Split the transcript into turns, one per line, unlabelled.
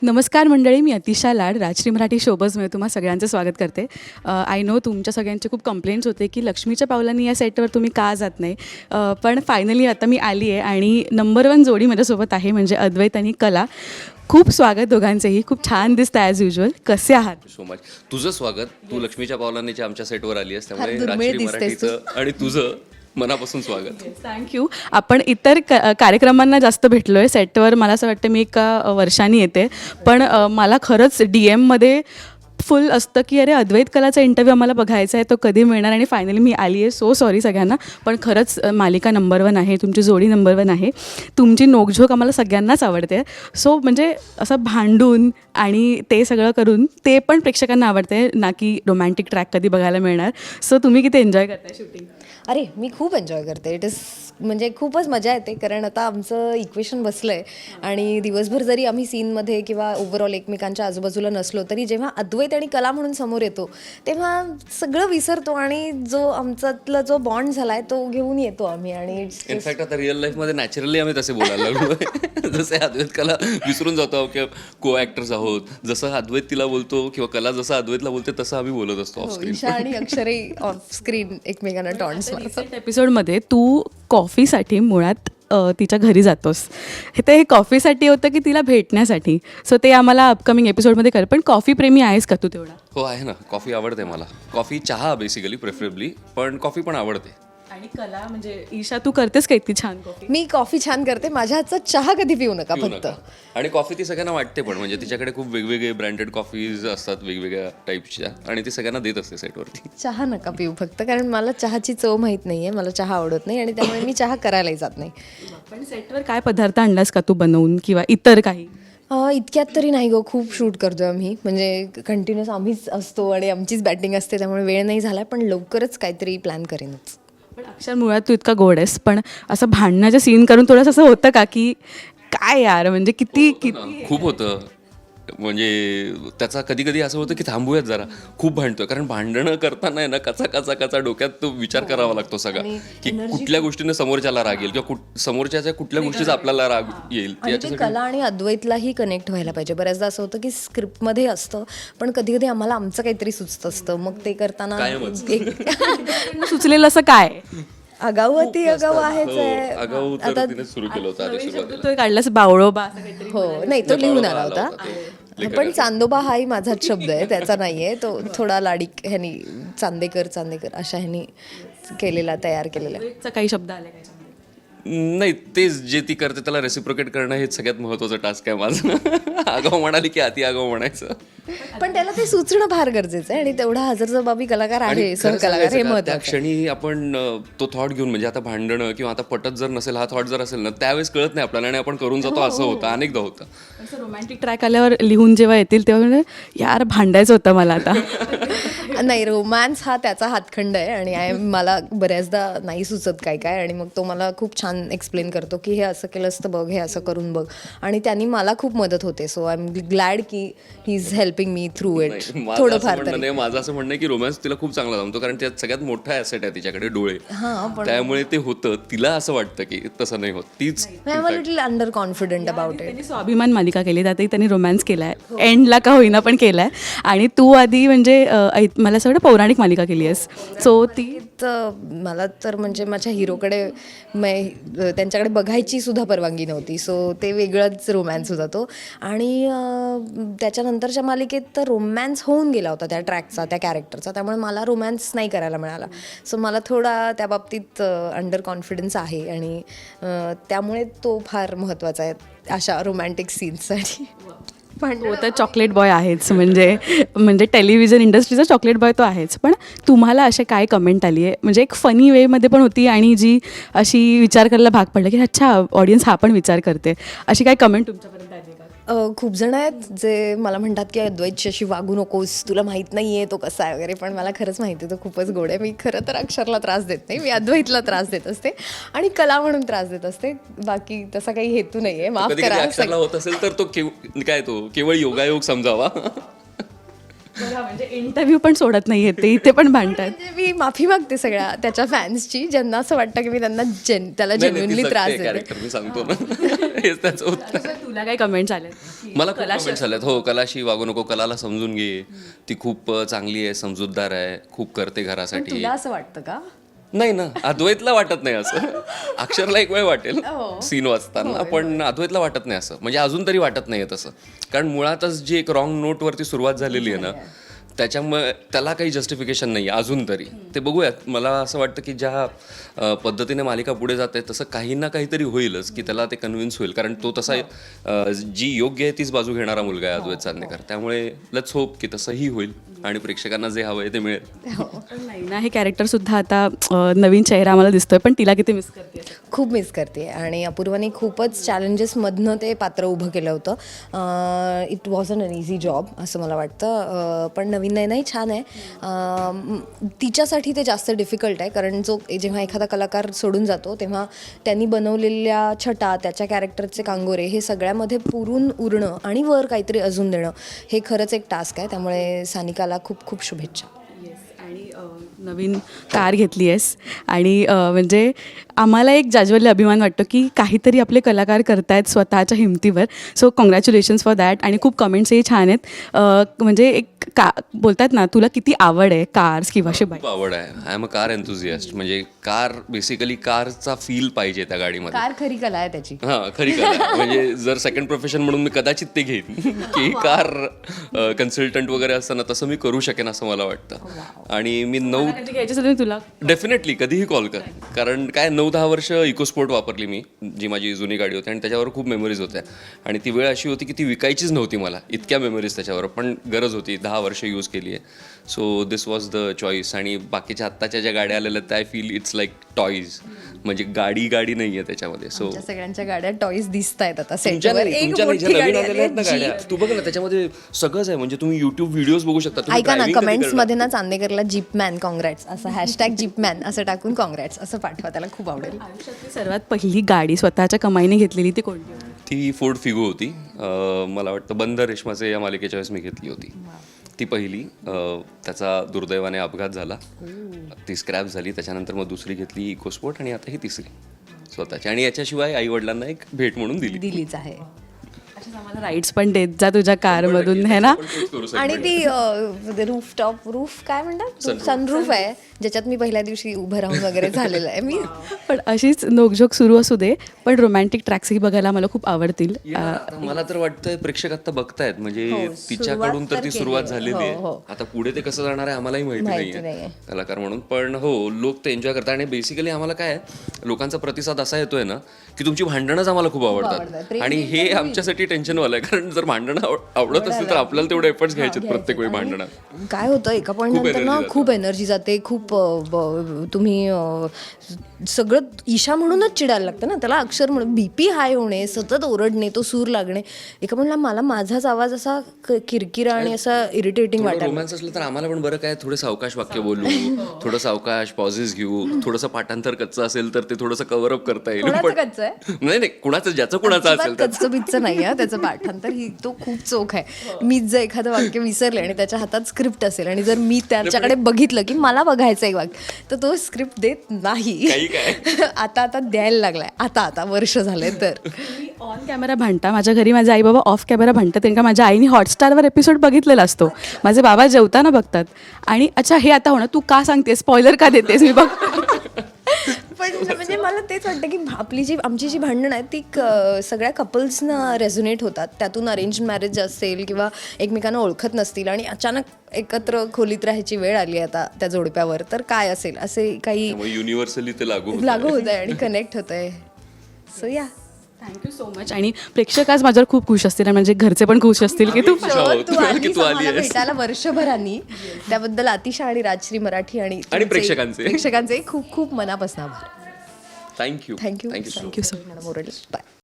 नमस्कार मंडळी, मी अतिशा लाड राजश्री मराठी शोबजमध्ये तुम्हा सगळ्यांचं स्वागत करते. आय नो तुमच्या सगळ्यांचे खूप कंप्लेंट्स होते की लक्ष्मीच्या पावलांनी या सेटवर तुम्ही का जात नाही. पण फायनली आता मी आली आहे आणि नंबर 1 जोडी माझ्यासोबत आहे, म्हणजे अद्वैत आणि कला. खूप स्वागत दोघांचेही. खूप छान दिसतं ॲज युजल. कसे आहात?
So much. तुझं स्वागत. तू लक्ष्मीच्या पावलांनीच्या आमच्या सेटवर आली आहेस, त्यामुळे
फार दुर्मिळ
राजश्री
दिसतेस
मराठीचं आणि तुझं मनापासून स्वागत.
थँक्यू. आपण इतर कार्यक्रमांना जास्त भेटलो आहे सेटवर. मला असं वाटतं मी एका वर्षाने येते, पण मला खरंच DM मध्ये फुल असतं की अरे अद्वैत कलाचा इंटरव्ह्यू आम्हाला बघायचा आहे, तो कधी मिळणार. आणि फायनली मी आली आहे. सो सॉरी सगळ्यांना, पण खरंच मालिका नंबर 1 आहे, तुमची जोडी नंबर 1 आहे. तुमची नोकझोक आम्हाला सगळ्यांनाच आवडते. सो म्हणजे असं भांडून आणि ते सगळं करून ते पण प्रेक्षकांना आवडते ना, की रोमॅन्टिक ट्रॅक कधी बघायला मिळणार. सो तुम्ही किती एन्जॉय करताय शूटिंग?
अरे मी खूप एन्जॉय करते. इट इज म्हणजे खूपच मजा येते, कारण आता आमचं इक्वेशन बसलं आहे आणि दिवसभर जरी आम्ही सीनमध्ये किंवा ओव्हरऑल एकमेकांच्या आजूबाजूला नसलो तरी जेव्हा अद्वैत आणि कला म्हणून समोर येतो तेव्हा सगळं विसरतो आणि जो आमच्यातला जो बॉन्ड झाला आहे तो घेऊन येतो आम्ही. आणि
इनफॅक्ट आता रिअल लाईफमध्ये नॅचरली आम्ही तसे बोलायला लागलो. जसे अद्वैत कला विसरून जातो की को ॲक्टर्स आहोत. जसं अद्वैत तिला बोलतो किंवा कला जसं अद्वैतला बोलते तसं आम्ही बोलत असतो ऑफ स्क्रीन.
ईशा आणि अक्षरही ऑफ स्क्रीन एकमेकांना टॉन्ट्स मारतात.
एपिसोडमध्ये तू कॉफीसाठी मुळात तिच्या घरी जातोस. हे कॉफीसाठी होतं की तिला भेटण्यासाठी? सो ते आम्हाला अपकमिंग एपिसोडमध्ये कर. पण कॉफी प्रेमी आहेस का तू तेवढा?
हो आहे ना. कॉफी आवडते मला. कॉफी, चहा बेसिकली प्रेफरेबली, पण कॉफी पण आवडते.
आणि कला म्हणजे ईशा, तू करतेस का इतकी छान कॉफी?
मी कॉफी छान करते. माझ्या हातचा चहा कधी पिऊ नका
पिऊ
फक्त.
नका. आणि कॉफी ती सगळ्यांना वाटते, पण म्हणजे तिच्याकडे खूप वेगवेगळे ब्रँडेड कॉफीज असतात वेगवेगळ्या टाईपच्या, आणि ती सगळ्यांना देत असते सेटवरती.
चहा नका पिऊ फक्त, कारण मला चहाची चव माहीत नाही आहे. मला चहा आवडत नाही आणि त्यामुळे मी चहा करायलाही जात नाही.
पण सेटवर काय पदार्थ आणलास का तू बनवून, किंवा इतर काही?
इतक्यात तरी नाही गो. खूप शूट करतो आम्ही, म्हणजे कंटिन्युअस आम्हीच असतो आणि आमचीच बॅटिंग असते, त्यामुळे वेळ नाही झाला. पण लवकरच काहीतरी प्लॅन करेनच.
पण अक्षर, मुळात तू इतका गोड आहेस, पण असं भांडणाचं सीन करून थोडंसं असं होतं का की काय यार, म्हणजे किती
खूप होतं. म्हणजे त्याचा कधी कधी असं होतं की थांबूयात जरा, खूप भांडतोय. कारण भांडणं करताना आहे ना, कचा डोक्यात तो विचार करावा लागतो सगळा, की कुठल्या गोष्टीने समोरच्याला राग येईल किंवा समोरच्याच्या कुठल्या गोष्टीचा आपल्याला राग येईल.
आणि ते कला आणि अद्वैतलाही कनेक्ट व्हायला पाहिजे. बऱ्याचदा असं होतं की स्क्रिप्टमध्ये असतं, पण कधी कधी आम्हाला आमचं काहीतरी सुचत असतं. मग ते करताना
सुचलेलं असं काय?
आगावती आगाव आहेच
हो,
आहे.
आगाऊ तर तिने सुरू केलं होतं आधी सुरुवातीला.
तो काढलास बावळोबा असं काहीतरी?
हो, नाही तो लिहून आला होता.
ते
पण चांदोबा हाही माझाच शब्द आहे, त्याचा नाहीये. तो थोडा लाडिक ह्यानी चांदेकर अशा ह्यानी केलेला, तयार केलेला.
काही शब्द आले काय?
नाही, तेच जे ती करते त्याला रेसिप्रोकेट करणं हेच सगळ्यात महत्वाचं टास्क आहे माझं. आगाऊ म्हणाली की अति आगाऊ म्हणायचं.
पण त्याला ते सुचणं फार गरजेचं आहे आणि तेवढा हजरजबाबी कलाकार आहे, सहकलाकार, हे महत्त्वाचं
त्या
आहे.
क्षणी आपण तो थॉट घेऊन, म्हणजे आता भांडणं किंवा आता पटत जर नसेल, हा थॉट जर असेल ना, त्यावेळेस कळत नाही आपल्याला आणि आपण करून जातो. असं होतं, अनेकदा होतं.
असं रोमॅन्टिक ट्रॅक आल्यावर लिहून जेव्हा येतील तेव्हा म्हणजे यार भांडायचं होतं मला आता.
नाही, रोमॅन्स हा त्याचा हातखंड आहे आणि मला बऱ्याचदा नाही सुचत काय, आणि मग तो मला खूप छान एक्सप्लेन करतो की हे असं केलं असतं बघ, हे असं करून बघ, आणि त्यांनी मला खूप मदत होते. सो आय एम ग्लॅड की he is helping me through it. थोडंफार तरी.
माझं असं म्हणणं आहे की रोमॅन्स तिला खूप चांगला जमतो, कारण त्यात सगळ्यात मोठा ॲसेट आहे तिच्याकडे, डोळे. त्यामुळे ते होतं. तिला असं वाटतं की तसं नाही होत. तीच
I am a little under confident about it.
त्यांनी स्वाभिमान मालिका केली, त्यातही त्यांनी रोमॅन्स केलाय, एंडला का होईना पण केलाय. आणि तू आधी म्हणजे मला असं वाटतं पौराणिक मालिका केली आहेस. सो ती
मला तर म्हणजे माझ्या हिरोकडे त्यांच्याकडे बघायची सुद्धा परवानगी नव्हती. सो ते वेगळंच रोमॅन्स होता तो. आणि त्याच्यानंतरच्या मालिकेत तर रोमॅन्स होऊन गेला होता त्या ट्रॅकचा, त्या कॅरेक्टरचा, त्यामुळे मला रोमॅन्स नाही करायला मिळाला. सो मला थोडा त्या बाबतीत अंडर कॉन्फिडन्स आहे आणि त्यामुळे तो फार महत्त्वाचा आहे अशा रोमॅन्टिक सीन्ससाठी.
तो तर चॉकलेट बॉय आहेच, म्हणजे टेलिव्हिजन इंडस्ट्रीचा चॉकलेट बॉय तो आहेच. पण तुम्हाला असे काय कमेंट आली आहे, म्हणजे एक फनी वेमध्ये पण होती आणि जी अशी विचार करायला भाग पडलं की अच्छा ऑडियन्स हा पण विचार करते, अशी काय कमेंट तुमच्यापर्यंत आली का?
खूप जण आहेत जे मला म्हणतात की अद्वैतशी अशी वागू नकोस, तुला माहीत नाही आहे तो कसा आहे वगैरे. पण मला खरंच माहिती आहे तो खूपच गोड आहे. मी खरं तर अक्षरला त्रास देत नाही, मी अद्वैतला त्रास देत असते आणि कला म्हणून त्रास देत असते. बाकी तसा काही हेतू नाही आहे, माफ
कधी
करा.
अक्षरला होत असेल तर तो काय, तो केवळ योगायोग समजावा.
म्हणजे इंटरव्ह्यू पण सोडत नाहीये ते, इथे पण भांडतात.
म्हणजे मी माफी मागते सगळ्या त्याच्या फॅन्सची, ज्यांना असं वाटतं की मी त्यांना त्याला जेन्युइनली त्रास देते.
कॅरेक्टर मी सांगतो ना, हेच त्याचं उत्तर.
तुला काही कमेंट्स आले?
मला खूप कमेंट्स आल्यात. हो, कलाशी वागू नको, कलाला समजून घे, ती खूप चांगली आहे, समजूतदार आहे, खूप करते घरासाठी.
तुला असं वाटतं का?
नाही ना, अद्वैतला वाटत नाही असं. अक्षरला एक वेळ वाटेल सीन वाचताना, पण अद्वैतला वाटत नाही असं. म्हणजे अजून तरी वाटत नाहीये तसं, कारण मुळातच जी एक रॉंग नोटवरती सुरुवात झालेली आहे ना, त्याच्यामुळे त्याला काही जस्टिफिकेशन नाही आहे अजून तरी. ते बघूयात. मला असं वाटतं की ज्या पद्धतीने मालिका पुढे जाते तसं काही ना काहीतरी होईलच की त्याला ते कन्व्हिन्स होईल, कारण तो तसा जी योग्य आहे तीच बाजू घेणारा मुलगा आहे अद्वैत चांदेकर. त्यामुळे लेट्स होप की तसंही होईल आणि प्रेक्षकांना जे हवं आहे ते मिळेल.
पण नाही ना, हे कॅरेक्टर सुद्धा आता नवीन चेहरा आम्हाला दिसतोय, पण तिला किती मिस करते?
खूप मिस करते. आणि अपूर्वाने खूपच चॅलेंजेसमधनं ते पात्र उभं केलं होतं. It was an easy job असं मला वाटतं. पण नवीन नाही छान आहे. तिच्यासाठी ते जास्त डिफिकल्ट आहे, कारण जेव्हा एखादा कलाकार सोडून जातो तेव्हा त्यांनी बनवलेल्या छटा, त्याच्या कॅरेक्टरचे कांगोरे हे सगळ्यामध्ये पुरून उरणं आणि वर काहीतरी अजून देणं हे खरंच एक टास्क आहे. त्यामुळे सानिकाला खूप खूप शुभेच्छा.
आणि नवीन कार घेतली आहेस आणि म्हणजे आम्हाला एक जाज्वल्य अभिमान वाटतो की काहीतरी आपले कलाकार करतायत स्वतःच्या हिमतीवर. So congratulations for that. आणि खूप कमेंट्सही छान आहेत. म्हणजे एक बोलतात ना, तुला किती आवड आहे कार्स किंवा असे बाईक?
खूप आवड आहे. I am a car enthusiast. म्हणजे कार बेसिकली कारचा फील पाहिजे त्या गाडीमध्ये.
कार खरी कला आहे त्याची.
हां, खरी कला आहे. म्हणजे जर सेकंड प्रोफेशन म्हणून मी कदाचित ते घेईन की कार कन्सल्टंट वगैरे असताना तसं मी करू शकेन असं मला वाटतं. आणि मी
घ्यायची असेल तुला
डेफिनेटली कधीही कॉल कर. कारण काय 9-10 वर्ष इकोस्पोर्ट वापरली मी, जी माझी जुनी गाडी होती, आणि त्याच्यावर खूप मेमरीज होत्या. आणि ती वेळ अशी होती की ती विकायचीच नव्हती मला, इतक्या मेमरीज त्याच्यावर, पण गरज होती. 10 वर्ष यूज केली आहे. So this was the choice. आणि बाकीच्या आत्ताच्या ज्या गाड्या आलेल्या त्या I feel it's like toys. म्हणजे गाडी नाही आहे त्याच्यामध्ये. सो
सगळ्यांच्या गाड्या टॉईज दिसत आहेत आता
तुमच्या
सेटवर.
नाही,
एक
तुमच्या नाही,
मोठी
ज्या नवीन
गाडी
आलेल्या आहेत ना
आली
गाड्या,
आहे,
तू बघ ना, त्याच्यामध्ये सगळंच आहे. म्हणजे तुम्ही युट्यूब व्हिडिओज बघू शकता. तुम्ही
ऐका ना,
driving कधी
कमेंट्स
करणार?
मध्ये ना चांदेकरला जीपमॅन कॉंग्रॅट्स असं हॅशटॅग जीपमॅन असं टाकून कॉंग्रॅट्स असं पाठवा, त्याला खूप आवडेल.
आयुष्यातली सर्वात पहिली गाडी स्वतःच्या कमाईने घेतलेली ती कोणती होती?
ती फोर्ड फिगो होती. मला वाटतं बंद रेशमाचे या मालिकेच्या वेळेस मी घेतली होती ती पहिली. त्याचा दुर्दैवाने अपघात झाला, ती स्क्रॅप झाली. त्याच्यानंतर मग दुसरी घेतली इकोस्पोर्ट, आणि आता ही तिसरी स्वतःची. आणि याच्याशिवाय आई वडिलांना एक भेट म्हणून दिलीच आहे.
आम्हाला राईड्स पण देत जा तुझ्या कारमधून, है ना?
आणि ती रूफ काय म्हणतात, सनरूफ आहे, ज्याच्यात मी पहिल्या दिवशी उभं राहून वगैरे झालेलं आहे मी.
पण अशीच नोकझोक सुरू असू दे, पण रोमॅन्टिक ट्रॅक्सही बघायला मला खूप आवडतील.
मला तर वाटतंय प्रेक्षक आता बघतायत, म्हणजे तिच्याकडून तर ती सुरुवात झालेली आहे. आता पुढे ते कसं जाणार आहे आम्हालाही माहिती नाहीये कलाकार म्हणून. पण हो, लोक ते एन्जॉय करतात. आणि बेसिकली आम्हाला काय लोकांचा प्रतिसाद असा येतोय ना की तुमची भांडणच आम्हाला खूप आवडतात. आणि हे आमच्यासाठी टेन्शनवालं आहे, कारण जर भांडणं आवडत असेल तर आपल्याला तेवढे एफर्ट्स घ्यायचे प्रत्येक वेळी भांडणात.
काय होतं, एका पॉईंट नंतर ना खूप एनर्जी जाते. खूप तुम्ही सगळं ईशा म्हणूनच चिडायला लागतं ना, त्याला अक्षर म्हणून बीपी हाय होणे, सतत ओरडणे, तो सूर लागणे. एका पॉईंटला मला माझाच आवाज असा किरकिरा आणि असा इरिटेटिंग वाटायला. रोमॅन्स
असलं तर आम्हाला पण बरं काय, थोडं सावकाश वाक्य बोलू, थोडं सावकाश पॉझेस घेऊ, थोडंसं पाठांतर कच्चं असेल तर ते थोडंसं कव्हर अप करता येईल. पण नाही, कुणाचं ज्याचं कुणाचं असेल
कच्चं बिच्चं नाही आहे त्याचं पाठांतर. ही तो खूप चोख आहे. मीच जर एखादं वाक्य विसरले आणि त्याच्या हातात स्क्रिप्ट असेल आणि जर मी त्याच्याकडे बघितलं की मला बघायचं एक वाक्य, तर तो स्क्रिप्ट देत नाही. आता द्यायला लागलाय, आता वर्ष झाले. तर
ऑन कॅमेरा भांडता, माझ्या घरी माझे आई बाबा ऑफ कॅमेरा भांडतात, कारण का माझ्या आईने हॉटस्टारवर एपिसोड बघितलेला असतो. माझे बाबा जेवताना बघतात आणि अच्छा हे आता होणार, तू का सांगतेस, स्पॉइलर का देतेस, मी बघ.
पण म्हणजे मला तेच वाटतं की आमची जी भांडणं आहेत ती सगळ्या कपल्सना रेझोनेट होतात. त्यातून अरेंज मॅरेज असेल किंवा एकमेकांना ओळखत नसतील आणि अचानक एकत्र खोलीत राहायची वेळ आली आता त्या जोडप्यावर, तर काय असेल असे काही
युनिव्हर्सली ते लागू
होत आहे आणि कनेक्ट होत आहे. सो या, थँक्यू
सो मच. आणि प्रेक्षक आज माझ्यावर खूप खुश असतील, म्हणजे घरचे पण खुश असतील की तू
आली भेटायला वर्षभरांनी. त्याबद्दल अतिशा आणि राजश्री मराठी आणि
प्रेक्षकांचे
खूप खूप मनापासून आभार.
Thank you
so much. बाय.